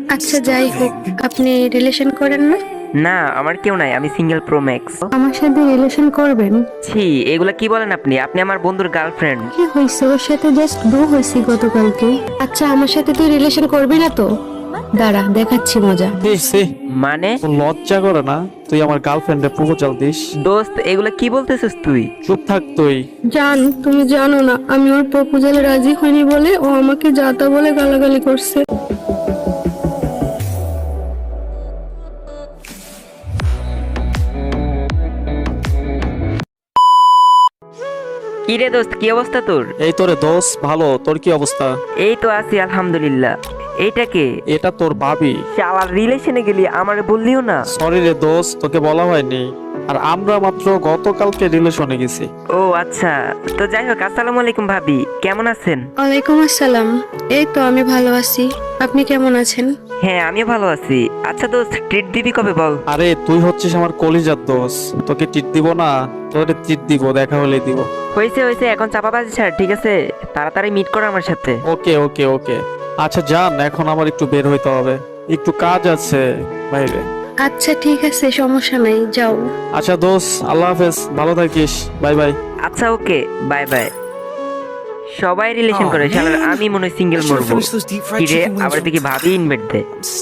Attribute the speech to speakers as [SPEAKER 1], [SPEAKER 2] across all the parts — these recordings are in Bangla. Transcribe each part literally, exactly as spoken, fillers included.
[SPEAKER 1] আচ্ছা যাই হোক, আপনি রিলেশন করেন না?
[SPEAKER 2] না, আমার কেউ নাই, আমি সিঙ্গেল প্রো ম্যাক্স।
[SPEAKER 1] আমার সাথে রিলেশন করবেন?
[SPEAKER 2] ছি, এগুলা কি বলেন আপনি? আপনি আমার বন্ধুর গার্লফ্রেন্ড।
[SPEAKER 1] কি হয়েছে? ওর সাথে জাস্ট বউ হয়েছি গতকালকে। আচ্ছা আমার সাথে তুই রিলেশন করবি না তো? দাঁড়া দেখাচ্ছি মজা।
[SPEAKER 2] মানে
[SPEAKER 3] তোর লজ্জা করে না তুই আমার গার্লফ্রেন্ডে প্রপোজাল দিস?
[SPEAKER 2] দোস্ত, এগুলা কি বলতেছিস তুই?
[SPEAKER 3] চুপ থাক তুই।
[SPEAKER 1] জান, তুমি জানো না আমি ওর প্রপোজালে রাজি হইনি বলে ও আমাকে যাতা বলে গালাগালি করছে।
[SPEAKER 2] কি রে দোস্ত, কি অবস্থা তোর?
[SPEAKER 3] এই তোরে দোষ ভালো, তোর কি অবস্থা?
[SPEAKER 2] এই তো আছি আলহামদুলিল্লাহ। এইটা কে?
[SPEAKER 3] এটা তোর ভাবি।
[SPEAKER 2] শালার রিলেশনে গেলি, আমারে বললিও না।
[SPEAKER 3] সরি রে দোষ, তোকে বলা হয়নি। আর আমরা মাত্র গতকালকে রিলেশনে গেছি।
[SPEAKER 2] ও আচ্ছা, তো যাই হোক, আসসালামু আলাইকুম ভাবি, কেমন আছেন?
[SPEAKER 1] ওয়ালাইকুম আসসালাম। এই তো আমি ভালো আছি, আপনি কেমন আছেন?
[SPEAKER 2] হ্যাঁ, আমিও ভালো আছি। আচ্ছা দোস্ত, ট্রিট দিবি কবে বল?
[SPEAKER 3] আরে তুই হচ্ছিস আমার কলিজার দোষ, তোকে টিট দিব না? তোরে টিট দিব, দেখা হলে দিব।
[SPEAKER 2] হয়েছে হয়েছে, এখন চাপাবাজি ছাড়, ঠিক আছে? তাড়াতাড়ি মিট করো আমার সাথে।
[SPEAKER 3] ওকে ওকে ওকে। আচ্ছা জান, এখন আমার একটু বের হইতে হবে, একটু কাজ আছে বাইরে।
[SPEAKER 1] আচ্ছা ঠিক আছে, সমস্যা নাই, যাও।
[SPEAKER 3] আচ্ছা দোষ, আল্লাহ হাফেজ, ভালো থাকিস, বাই বাই।
[SPEAKER 2] আচ্ছা ওকে, বাই বাই। সবাই রিলেশন করে, শালার আমি মনে হয় সিঙ্গেল মরবো। কিরে, আবার দেখি ভাবি ইনভাইট দে।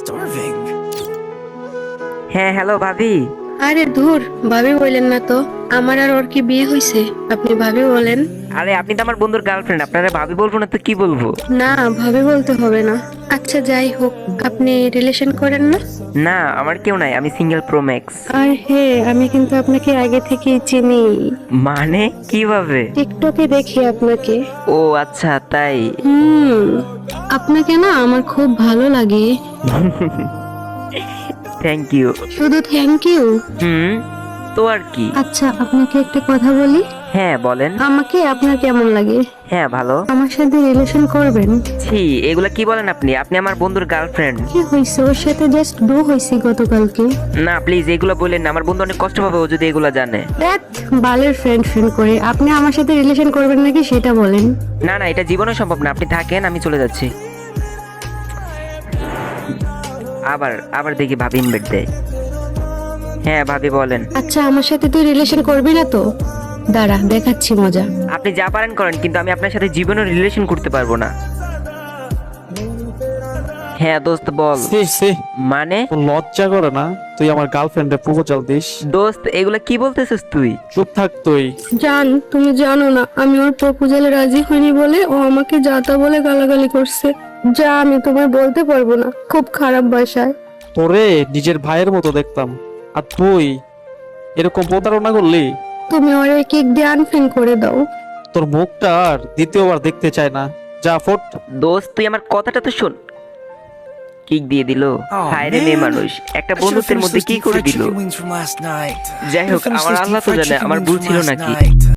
[SPEAKER 2] হ্যাঁ হ্যালো ভাবি।
[SPEAKER 1] আরে ধুর, ভাবি বললেন না তো। আমার আর ওর কি বিয়ে হয়েছে, আপনি ভাবি বলেন?
[SPEAKER 2] আরে আপনি তো আমার বন্ধুর গার্লফ্রেন্ড, আপনারা ভাবি বলবো না তো কি বলবো?
[SPEAKER 1] না, ভাবি বলতে হবে না। আচ্ছা যাই হোক, আপনি রিলেশন করেন না?
[SPEAKER 2] না, আমার কেউ নাই, আমি সিঙ্গেল প্রো ম্যাক্স।
[SPEAKER 1] আর হ্যাঁ, আমি কিন্তু আপনাকে আগে থেকেই চিনি।
[SPEAKER 2] মানে কিভাবে?
[SPEAKER 1] টিকটকে দেখি আপনাকে।
[SPEAKER 2] ও আচ্ছা, তাই?
[SPEAKER 1] হুম, আপনাকে না আমার খুব ভালো লাগে।
[SPEAKER 2] Thank you.
[SPEAKER 1] শুধু থ্যাংক ইউ?
[SPEAKER 2] হুম, তো আর কি?
[SPEAKER 1] আচ্ছা আপনাকে একটা কথা বলি।
[SPEAKER 2] হ্যাঁ বলেন।
[SPEAKER 1] আমাকে আপনার কেমন লাগে?
[SPEAKER 2] হ্যাঁ ভালো।
[SPEAKER 1] আমার সাথে রিলেশন করবেন?
[SPEAKER 2] ছি, এগুলা কি বলেন আপনি? আপনি আমার বন্ধুর গার্লফ্রেন্ড।
[SPEAKER 1] কি হয়েছে? ওর সাথে জাস্ট বউ হয়েছি গতকালকে।
[SPEAKER 2] না প্লিজ, এগুলো বলেন না, আমার বন্ধু অনেক কষ্ট পাবে ও যদি এগুলা জানে।
[SPEAKER 1] দেখ, বালের ফ্রেন্ড ফ্রেন্ড করে আপনি আমার সাথে রিলেশন করবেন নাকি সেটা বলেন।
[SPEAKER 2] না না, এটা জীবনে সম্ভব না, আপনি থাকেন, আমি চলে যাচ্ছি। আবার আবার দেখি ভাবি ইনভাইট দেয়। হ্যাঁ ভাবি বলেন।
[SPEAKER 1] আচ্ছা আমার সাথে তুই রিলেশন করবি না তো? দাঁড়া দেখাচ্ছি মজা।
[SPEAKER 2] আপনি যা পারেন করেন, কিন্তু আমি আপনার সাথে জীবনে রিলেশন করতে পারবো না। হ্যাঁ দোস্ত বল।
[SPEAKER 3] সি সি,
[SPEAKER 2] মানে
[SPEAKER 3] তোর লজ্জা করে না তুই আমার গার্লফ্রেন্ডে প্রপোজাল দিস?
[SPEAKER 2] দোস্ত, এগুলা কি বলতেছিস তুই?
[SPEAKER 3] চুপ থাক তুই।
[SPEAKER 1] জান, তুমি জানো না আমি ওর প্রপোজালে রাজি হইনি বলে ও আমাকে যাতা বলে গালাগালি করছে। যা আমি তোমায় বলতে পারবো না, খুব খারাপ ভাষায়।
[SPEAKER 3] তোরে নিজের ভাইয়ের মতো দেখতাম, আর তুই এরকম প্রতারণা করলি?
[SPEAKER 1] তুমি ওরে কেক দিয়ে আনফ্রেন্ড করে দাও।
[SPEAKER 3] তোর মুখটা আর দ্বিতীয়বার দেখতে চায় না, যা ফোট।
[SPEAKER 2] দোস্ত তুই আমার কথাটা তো শোন। কিক দিয়ে দিল। হায় রে মেয়ে মানুষ, একটা বন্ধুত্বের মধ্যে কি করে দিল। যাই হোক, আমার আল্লাহ তো জানে আমার ভুল ছিল নাকি।